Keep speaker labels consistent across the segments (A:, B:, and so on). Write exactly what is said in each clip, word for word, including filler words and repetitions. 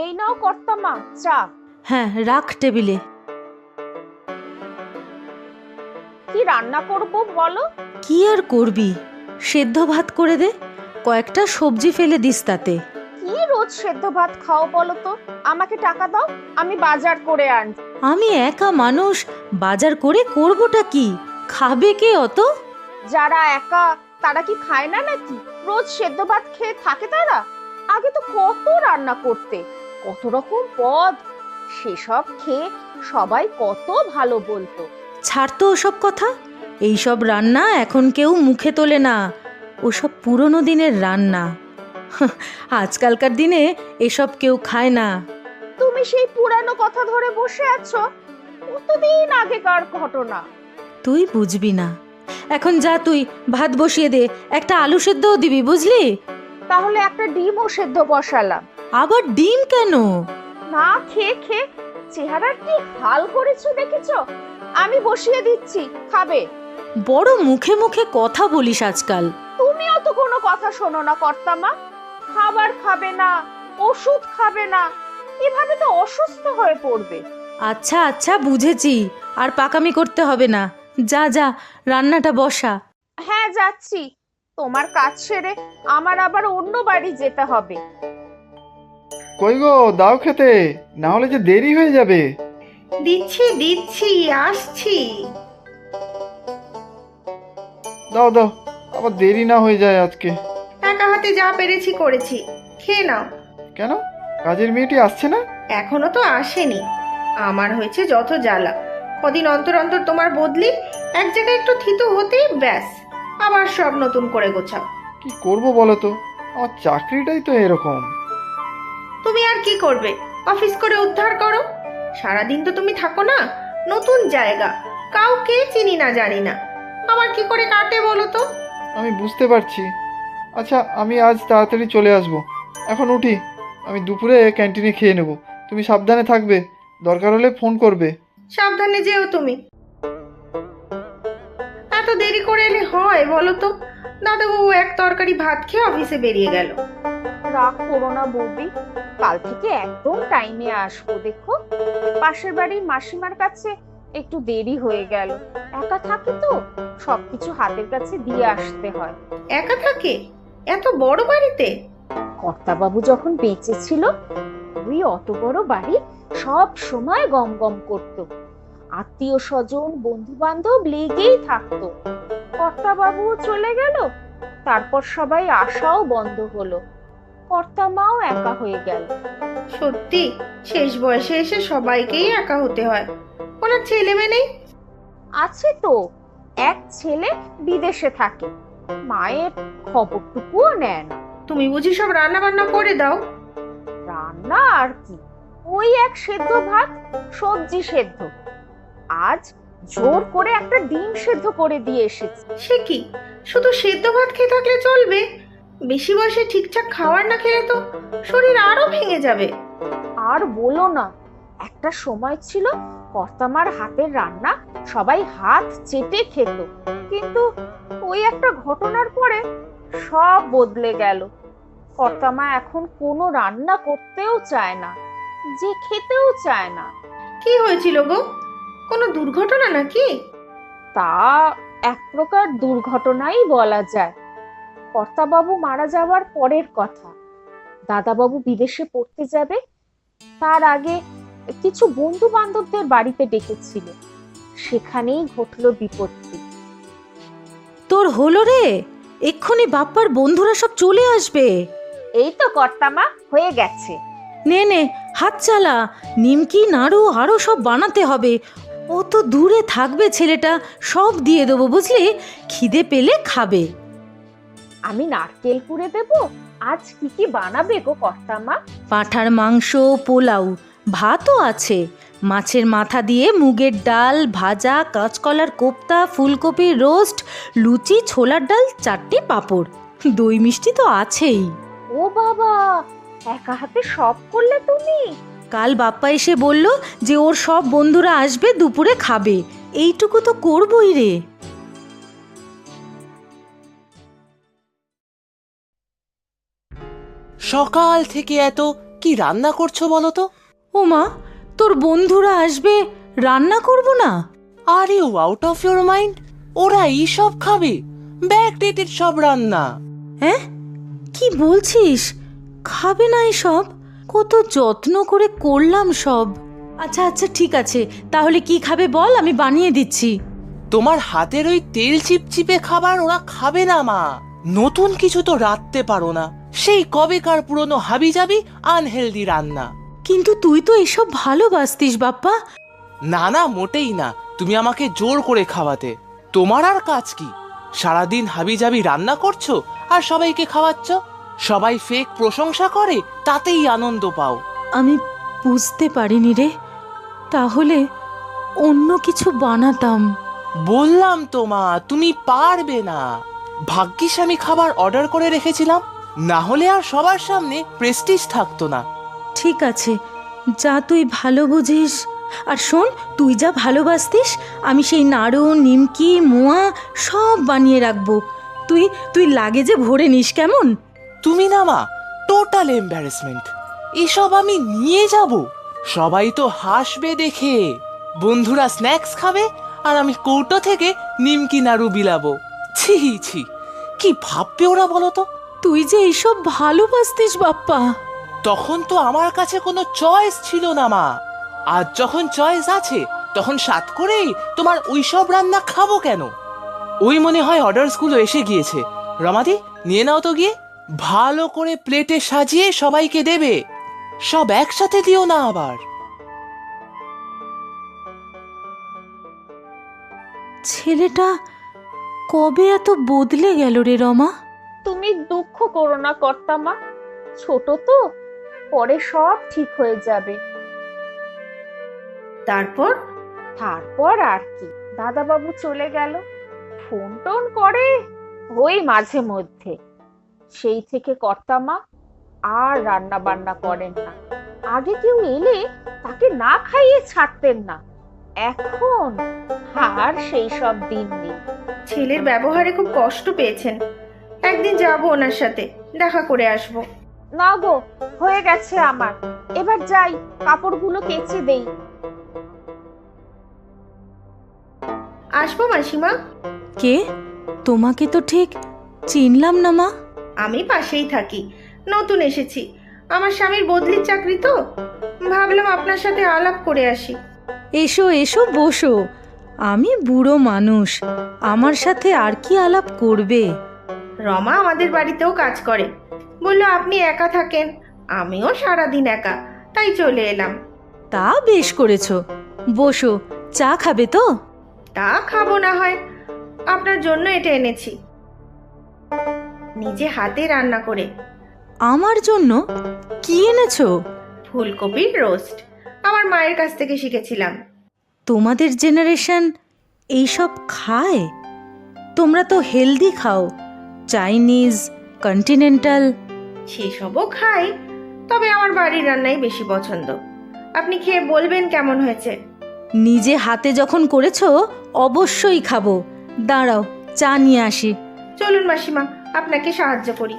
A: এই নাও কর্তামা চা।
B: হ্যাঁ, রাখ টেবিলে।
A: কি রান্না করব বলো?
B: কি আর করবি, সেদ্ধ ভাত করে দে, কয়েকটা সবজি ফেলে দিস তাতে।
A: কি রোজ সেদ্ধ ভাত খাও বলো তো? আমাকে টাকা দাও, আমি বাজার করে আনছি।
B: আমি একা মানুষ, বাজার করে করবোটা কি? খাবে কে অত?
A: যারা একা তারা কি খায় না নাকি? রোজ সেদ্ধ ভাত খেয়ে থাকে তারা? আগে তো কত রান্না করতে, কত রকম পদ, সেসব খেয়ে সবাই কত ভালো বলতো।
B: ছাড় তো ওসব কথা, এইসব রান্না এখন কেউ মুখে তোলে না, ওসব পুরনো দিনের রান্না। আজকালকার দিনে এসব কেউ খায় না।
A: তুমি সেই পুরানো কথা ধরে বসে আছো, কতদিন আগেকার ঘটনা।
B: তুই বুঝবি না, এখন যা তুই ভাত বসিয়ে দে, একটা আলু সেদ্ধও দিবি বুঝলি?
A: তাহলে একটা ডিমও সেদ্ধ বসালাম।
B: আবার ডিম কেন?
A: না খেয়ে খেয়ে চেহারার কি হাল করেছো দেখেছো? আমি বসিয়ে দিচ্ছি, খাবে?
B: বড় মুখে মুখে কথা বলিস আজকাল।
A: তুমিও তো কোনো কথা শোনো না কর্তামা। খাবার খাবে না, ওষুধ খাবে না, এভাবে তো অসুস্থ হয়ে পড়বে।
B: আচ্ছা আচ্ছা বুঝেছি, আর পাকামি করতে হবে না, যা যা রান্নাটা বসা।
A: হ্যাঁ যাচ্ছি, তোমার কাজ সেরে আমার আবার অন্য বাড়ি যেতে হবে।
C: কই গো, দাও খেতে, না হলে যে দেরি হয়ে যাবে।
D: দিচ্ছি দিচ্ছি আসছি।
C: দাও দাও, আবার দেরি না হয়ে যায় আজকে।
D: একা হাতে যা পেরেছি করেছি, খেয়ে নাও।
C: কেন, কাজের মেয়েটি আসছে না?
D: এখনো তো আসেনি। আমার হয়েছে যত জ্বালা, কদিন অন্তর অন্তর তোমার বদলি, এক জায়গায় একটু থিতু হতেই ব্যাস আবার সব নতুন করে গোছাও।
C: কি করব বলো তো, আমার চাকরিটাই তো এরকম।
D: তুমি আর কি করবে, অফিস করে উদ্ধার করো। সারাদিন তো তুমি থাকো না, নতুন জায়গা, কাউকে চিনি না জানি না, আমার কি করে কাটে বলো তো?
C: আমি বুঝতে পারছি। আচ্ছা, আমি আজ তাড়াতাড়ি চলে আসব। এখন উঠি, আমি দুপুরে ক্যান্টিনে খেয়ে নেব। তুমি সাবধানে থাকবে, দরকার হলে ফোন করবে।
D: সাবধানে যেও তুমি। এত দেরি করে এলে হয় বলো তো? দাদাবাবু এক তরকারি ভাত খেয়ে অফিসে বেরিয়ে গেল।
A: রাগ করো না বৌদি, কাল থেকে একদম টাইমে আসবো। দেখো, পাশের বাড়ির মাসিমার কাছে একটু দেরি হয়ে গেল। একা থাকি তো, সবকিছু হাতের কাছে দিয়ে আসতে হয়।
D: একা থাকে এত বড় বাড়িতে?
A: কর্তাবাবু যখন বেঁচে ছিল, ওই অত বড় বাড়ি সব সময় গম গম করতো, আত্মীয় স্বজন বন্ধু বান্ধব লেগেই থাকতো। কর্তাবাবু চলে গেল, তারপর সবাই আসাও বন্ধ হলো, কর্তামাও একা হয়ে গেল।
D: সত্যি, শেষ বয়সে এসে সবাইকেই একা হতে হয়। ওনার ছেলে মেয়ে নেই?
A: আছে তো, এক ছেলে বিদেশে থাকে, মায়ের খবরটুকুও নেয় না।
D: তুমি বুঝি সব রান্না বান্না করে দাও?
A: রান্না আর কি, ওই এক সেদ্ধ ভাত, সবজি সেদ্ধ। আজ জোর করে একটা ডিম সেদ্ধ করে দিয়ে এসেছি।
D: সে কি, শুধু সেদ্ধ ভাত খেয়ে থাকলে চলবে? বেশি বয়সে ঠিকঠাক খাবার না খেলে তো শরীর আরো ভেঙে যাবে।
A: আর বলো না, একটা সময় ছিল কর্তামার হাতের রান্না সবাই হাত চেটে খেত, কিন্তু ওই একটা ঘটনার পরে সব বদলে গেল। কর্তামা এখন কোনো রান্না করতেও চায় না, যে খেতেও চায় না।
D: কি হয়েছিল গো, কোনো দুর্ঘটনা নাকি?
A: তা এক প্রকার দুর্ঘটনাই বলা যায়। কর্তাবাবু মারা যাওয়ার পরের কথা। দাদাবাবু বিদেশে পড়তে যাবে, তার আগে কিছু বন্ধু বান্ধবদের বাড়িতে ডেকেছিল, সেখানেই ঘটলো বিপত্তি।
B: তোর হলো রে, এক্ষুনি বাপ্পার বন্ধুরা সব চলে আসবে।
A: এই তো কর্তামা, হয়ে গেছে।
B: নে নে হাত চালা, নিমকি নাড়ু আরো সব বানাতে হবে। ও তো দূরে থাকবে ছেলেটা, সব দিয়ে দেবো বুঝলি, খিদে পেলে খাবে।
A: আমি নারকেল কুড়ে দেবো। আজ কি কি বানাবে গো কর্তামা?
B: পাঁঠার মাংস, পোলাও, ভাতও আছে, মাছের মাথা দিয়ে মুগের ডাল ভাজা, কাঁচকলার কোপ্তা, ফুলকপির রোস্ট, লুচি, ছোলার ডাল, চারটে পাঁপড়, দই মিষ্টি তো আছেই।
A: ও বাবা, একা হাতে সব করলে তুমি?
B: কাল বাপ্পা এসে বলল যে ওর সব বন্ধুরা আসবে, দুপুরে খাবে, এইটুকু তো করবই রে।
E: সকাল থেকে এত কি রান্না করছো বলো তো?
B: ও মা, তোর বন্ধুরা আসবে, রান্না করব না?
E: Are you out of your mind? ওরা এই সব খাবে? ব্যাকডেটেড সব রান্না।
B: হ্যাঁ, কি বলছিস? খাবে না এসব? কত যত্ন করে করলাম সব। আচ্ছা আচ্ছা ঠিক আছে, তাহলে কি খাবে বল, আমি বানিয়ে দিচ্ছি।
E: তোমার হাতের ওই তেল চিপচিপে খাবার ওরা খাবে না মা। নতুন কিছু তো রাঁধতে পারো না, সেই কবেকার পুরনো হাবিজাবি আনহেলদি রান্না।
B: কিন্তু তুই তো এসব ভালোবাসতিস বাপ্পা।
E: না না, মোটেই না। তুমি আমাকে জোর করে খাওয়াতে। তোমার আর কাজ কি? সারাদিন হাবিজাবি রান্না করছো আর সবাইকে খাওয়াচ্ছ। সবাই ফেক প্রশংসা করে, তাতেই আনন্দ পাও।
B: আমি বুঝতে পারিনি রে, তাহলে অন্য কিছু বানাতাম।
E: বললাম তো মা, তুমি পারবে না। ভাগ্যিস আমি খাবার অর্ডার করে রেখেছিলাম, না হলে আর সবার সামনে প্রেস্টিজ থাকতো না।
B: ঠিক আছে, যা তুই ভালো বুঝিস। আর শোন, তুই যা ভালোবাসতিস আমি সেই নাড়ু, নিমকি, মোয়া সব বানিয়ে রাখবো। তুই তুই লাগেজে ভরে নিস কেমন?
E: তুমি না মা, টোটাল এম্বারেসমেন্ট। এসব আমি নিয়ে যাব? সবাই তো হাসবে দেখে। বন্ধুরা স্ন্যাক্স খাবে আর আমি কৌটো থেকে নিমকি নাড়ু বিলাবো। ছি ছি, কি ভাববে ওরা বলো তো?
B: তুই যে এইসব ভালোবাসতিস বাপ্পা।
E: তখন তো আমার কাছে কোনো চয়েস ছিল না মা। আজ যখন চয়েস আছে, তখন সাত করেই তোমার ওইসব রান্না খাবো কেন? ওই মনে হয় অর্ডারসগুলো এসে গিয়েছে। রমাদি, নিয়ে নাও তো গিয়ে। ভালো করে প্লেটে সাজিয়ে সবাইকে দেবে। সব একসাথে দিও না আবার।
B: ছেলেটা কবে এত বদলে গেল রে রমা?
A: তুমি দুঃখ করো না কর্তামা, ছোট তো, পরে সব ঠিক হয়ে যাবে।
D: তারপর
A: তারপর আর কি, দাদাবাবু চলে গেল। ফোন টোন করে ওই মাঝে মধ্যে। সেই থেকে কর্তামা আর রান্না বান্না করেন না। আগে কেউ এলে তাকে না খাইয়ে ছাড়তেন না, এখন আর সেই সব দিন নেই।
D: ছেলের ব্যবহারে খুব কষ্ট পেয়েছেন। একদিন যাব ওনার সাথে, দেখা করে আসব।
A: না গো, হয়ে গেছে আমার, এবার যাই, কাপড়গুলো কেচে দেই।
D: আসবো মাসিমা।
B: কে? তোমাকে তো ঠিক চিনলাম না মা।
D: আমি পাশেই থাকি, নতুন এসেছি। আমার স্বামীর বদলির চাকরি তো, ভাবলাম আপনার সাথে আলাপ করে আসি।
B: এসো এসো, বসো। আমি বুড়ো মানুষ, আমার সাথে আর কি আলাপ করবে?
D: রমা আমাদের বাড়িতেও কাজ করে, বললো আপনি একা থাকেন, আমিও সারাদিন একা, তাই চলে এলাম।
B: তা বেশ করেছো, বসো। চা খাবে তো?
D: তা খাবো না হয়, আপনার জন্য এটা এনেছি, নিজে হাতে রান্না করে।
B: আমার জন্য? কি এনেছো?
D: ফুলকপির রোস্ট, আমার মায়ের কাছ থেকে শিখেছিলাম।
B: তোমাদের জেনারেশন এইসব খায়? তোমরা তো হেলদি খাও, চাইনিজ, কন্টিনেন্টাল।
D: সেসবও খাই, তবে আমার বাড়ির রান্নাই বেশি পছন্দ। আপনি খেয়ে বলবেন কেমন হয়েছে।
B: নিজে হাতে যখন করেছো অবশ্যই খাবো। দাঁড়াও, চা নিয়ে আসি।
D: চলুন মাসিমা, আপনাকে সাহায্য করি।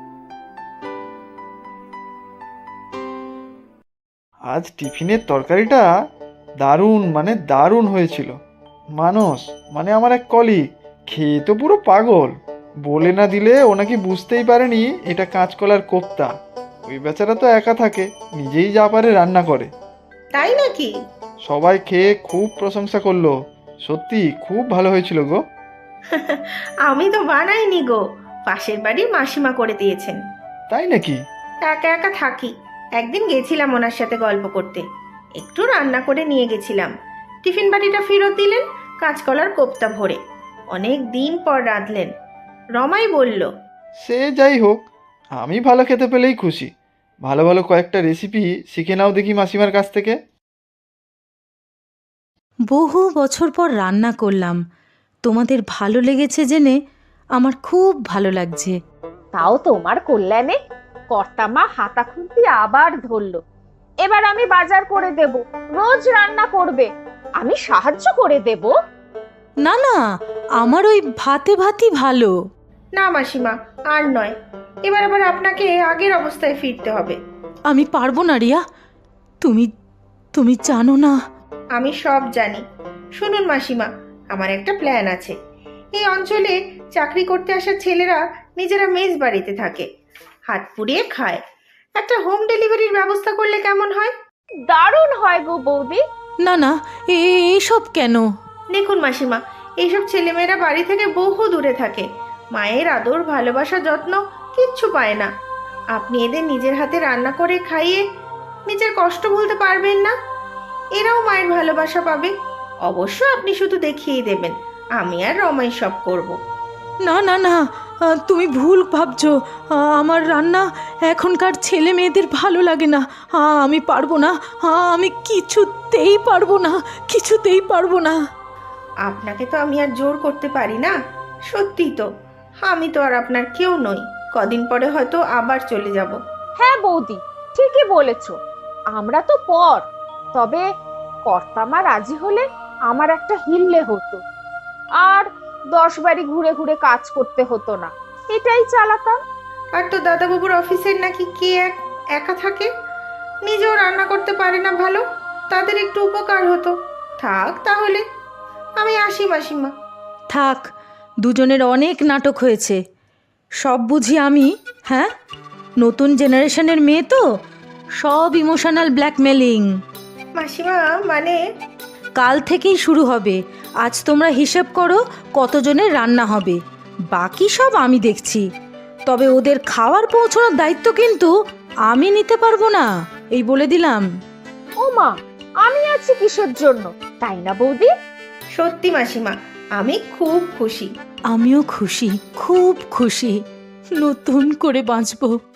C: আজ টিফিনের তরকারিটা দারুণ মানে দারুণ হয়েছিল। মানস মানে আমার এক কলিগ খেয়ে তো পুরো পাগল। বলে না দিলে ও নাকি বুঝতেই পারেনি এটা কাঁচকলার কোপ্তা। ওই বেচারা তো একা থাকে, নিজেই যা পারে রান্না করে।
D: তাই নাকি?
C: সবাই খেয়ে খুব প্রশংসা করলো। সত্যি খুব ভালো হয়েছিল গো।
D: আমি তো বানাইনি গো, পাশের বাড়ির মাসিমা করে দিয়েছেন।
C: তাই নাকি?
D: একা একা থাকি, একদিন গেছিলাম ওনার সাথে গল্প করতে, একটু রান্না করে নিয়ে গেছিলাম। টিফিন বাটিটা ফেরত দিলেন কাঁচকলার কোপ্তা ভরে। অনেক দিন পর রাঁধলেন। রমাই বলল,
C: সে যাই হোক, আমি ভালো খেতে পেলেই খুশি। ভালো ভালো কয়েকটা রেসিপি শিখে নাও দেখি মাসিমার কাছ থেকে।
B: বহু বছর পর রান্না করলাম, তোমাদের ভালো লেগেছে জেনে আমার খুব ভালো লাগছে।
A: তাও তোমার কল্যাণে। কর্তামা হাতা খুন্তি আবার ধরলো। এবার আমি বাজার করে দেব, রোজ রান্না করবে, আমি সাহায্য করে দেব।
B: না না, আমার ওই ভাতে ভাতই ভালো।
D: না মাসিমা, আর নয়, এবার আবার আপনাকে আগের অবস্থায় ফিরতে হবে।
B: আমি পারবো না রিয়া। তুমি তুমি জানো না।
D: আমি সব জানি। শুনুন মাসিমা, আমার একটা প্ল্যান আছে। এই অঞ্চলে চাকরি করতে আসা ছেলেরা নিজেরা মেস বাড়িতে থাকে, হাত পুড়িয়ে খায়। একটা হোম ডেলিভারির ব্যবস্থা করলে কেমন হয়?
A: দারুণ হয় গো বৌদি।
B: না না, এ- এসব কেন?
D: দেখুন মাসিমা, এইসব ছেলেমেয়েরা বাড়ি থেকে বহু দূরে থাকে, মায়ের আদর ভালোবাসা যত্ন কিচ্ছু পায় না। আপনি এদের নিজের হাতে রান্না করে খাইয়ে নিজের কষ্ট ভুলতে পারবেন না, এরাও মায়ের ভালোবাসা পাবে। অবশ্য আপনি শুধু দেখিয়েই দেবেন, আমি আর রমাই সব করব।
B: না না না, আহ, তুমি ভুল ভাবছো। আহ, আমার রান্না এখনকার ছেলে মেয়েদের ভালো লাগে না। আহ, আমি পারবো না। আহ, আমি কিছুতেই পারবো না, কিছুতেই পারবো না।
D: আপনাকে তো আমি আর জোর করতে পারি না। সত্যি তো, আমি তো আর আপনার কেউ নই। কদিন পরে হয়তো আবার চলে যাব।
A: হ্যাঁ বৌদি, ঠিকই বলেছ। আমরা তো পর, তবে কর্তামা রাজি হলে আমার একটা হিললে হতো, আর দশ বাড়ি ঘুরে ঘুরে কাজ করতে হতো না, এটাই চালাতাম।
D: আর তো দাদাবাবুর অফিসের নাকি কে এক একা থাকে, নিজেও রান্না করতে পারে না ভালো, তাদের একটু উপকার হতো। থাক তাহলে, আমি আসি মাসিমা।
B: থাক, দুজনের অনেক নাটক হয়েছে। সব বুঝি আমি। হ্যাঁ, নতুন জেনারেশনের মেয়ে তো, সব ইমোশনাল ব্ল্যাকমেলিং।
D: মাসিমা মানে?
B: কাল থেকেই শুরু হবে। আজ তোমরা হিসেব করো কতজনের রান্না হবে, বাকি সব আমি দেখছি। তবে ওদের খাওয়ার পৌঁছানোর দায়িত্ব কিন্তু আমি নিতে পারবো না, এই বলে দিলাম।
A: ও মা, আমি আছি কিসের জন্য, তাই না বৌদি?
D: সত্যি মাসিমা, আমি খুব খুশি।
B: আমিও খুশি, খুব খুশি। নতুন করে বাঁচবো।